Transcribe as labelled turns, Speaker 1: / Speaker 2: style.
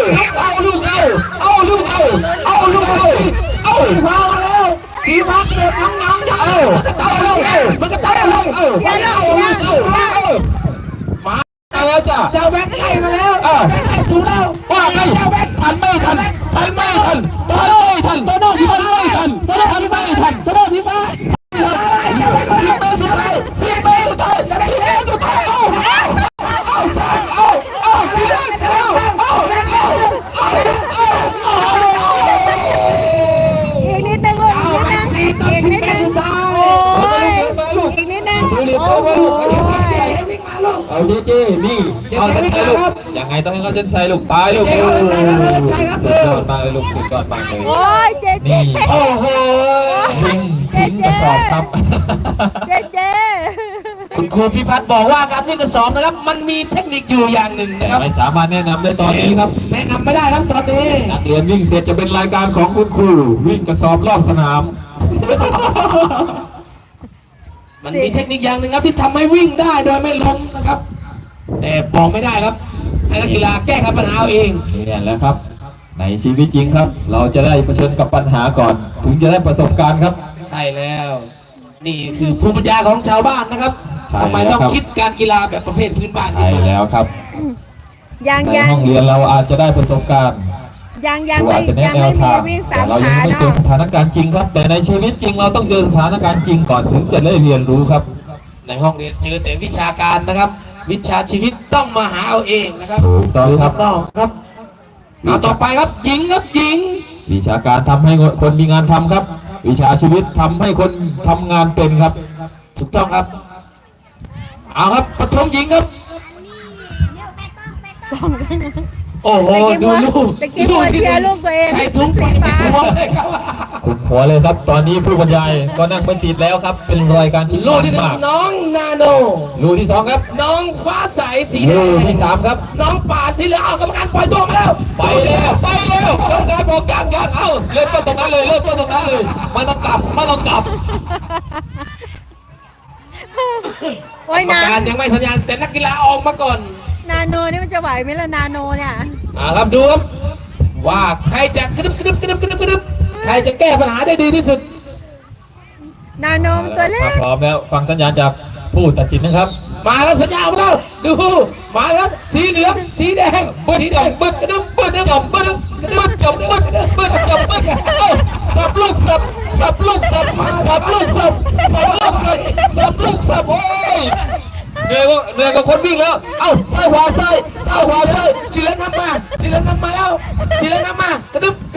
Speaker 1: เอาลูกเอาลูกเอาลูกเอาพามาแล้วทีพักเด็กน้องๆเอามันก็ตายลงมาแล้วจ้ะเจ้าแบงค์ไล่มาแล้วถูกแล้วว่าไงเจ้าแบงค์ทันไม่ทันโตโน่สีฟ้าไม่ทันโตโน่สีฟ้าไม่ทันโตโน่สีฟ้าสิบเมตรสุดท้ายจะได้แล้วสุดท้ายเอา
Speaker 2: อีกนิดนึงลูกอีกนิดนึงอีกนิดนึง
Speaker 1: เอาเจ๊นี่เอาเส้นชัยลูกยังไงต้องให้เขาเส้นชัยลูกตายลูกสุดยอดมากเลยลูกสุดยอดมากเลย
Speaker 2: โอ้ยเจ๊
Speaker 1: นี่โอ้โหทิ้งกระสอบครับ
Speaker 2: เจ๊
Speaker 1: คุณครูพิพัฒน์บอกว่าการวิ่งกระสอบนะครับมันมีเทคนิคอยู่อย่างหนึ่งนะครับไม่สามารถแนะนำได้ตอนนี้ครับแนะนำไม่ได้ครับตอนนี้นักเรียนวิ่งเสร็จจะเป็นรายการของคุณครูวิ่งกระสอบรอบสนามมันมีเทคนิคอย่างหนึ่งครับที่ทำให้วิ่งได้โดยไม่ล้มนะครับแต่บอกไม่ได้ครับให้นักกีฬาแก้ไขปัญหาเองนี่แหละครับในชีวิตจริงครับเราจะได้เผชิญกับปัญหาก่อนถึงจะได้ประสบการณ์ครับใช่แล้วนี่คือภูมิปัญญาของชาวบ้านนะครับทำไมต้องคิดการกีฬาแบบประเภทพื้นบ้านใช่แล้วครับในห้องเรียนเราอาจจะได้ประสบการณ์
Speaker 2: ยัง
Speaker 1: อาจจะแนะแนวทางแต่เรายังไม่เจอสถานการณ์จริงครับแต่ในชีวิตจริงเราต้องเจอสถานการณ์จริงก่อนถึงจะได้เรียนรู้ครับในห้องเรียนเจอแต่วิชาการนะครับวิชาชีวิตต้องมาหาเอาเองนะครับถูกต้องครับน้องครับเอาต่อไปครับหญิงครับหญิงวิชาการทำให้คนมีงานทำครับวิชาชีวิตทำให้คนทำงานเป็นครับถูกต้องครับเอาครับปฐมหญิงครับโอ้โหดูลูก
Speaker 2: ตะกี้เชียร์ลูกตัวเอง
Speaker 1: ใส่ถุงสีฟ้าคุณหัวเลยครับตอนนี้ผู้บรรยายก็นั่งไม่ติดแล้วครับเป็นรายการที่ลูกที่น้องนาโนลูกที่2ครับน้องฟ้าใสสีแดงลูกที่3ครับน้องป่านสีเหลืองเอากรรมการปล่อยตัวมาแล้วไปแล้วกรรมการบอกการเอาเริ่มต้นตรงนั้นเลยไม่ต้องกลับ
Speaker 2: โอ้ยนะ
Speaker 1: การยังไม่สัญญาณแต่นักกีฬาออกมาก่อน
Speaker 2: นาโนนี่มันจะไหวไหมล่ะนาโนเนี่ย
Speaker 1: ครับดูครับว่าใครจะกระดึบใครจะแก้ปัญหาได้ดีที่สุด
Speaker 2: นาโนมันตัวเล็ก
Speaker 1: พร้อมแล้วฟังสัญญาณจากผู้ตัดสินนะครับมาแล้วสัญญาณมาแล้วดูมาครับสีเหลืองสีแดงบึ้ดกระดึบสับลูกสับโอ้ยเหนื่อยกับคนวิ่งแล้วเอ้าซ้ายขวาชีเลนนำมาแล้วกระดึบ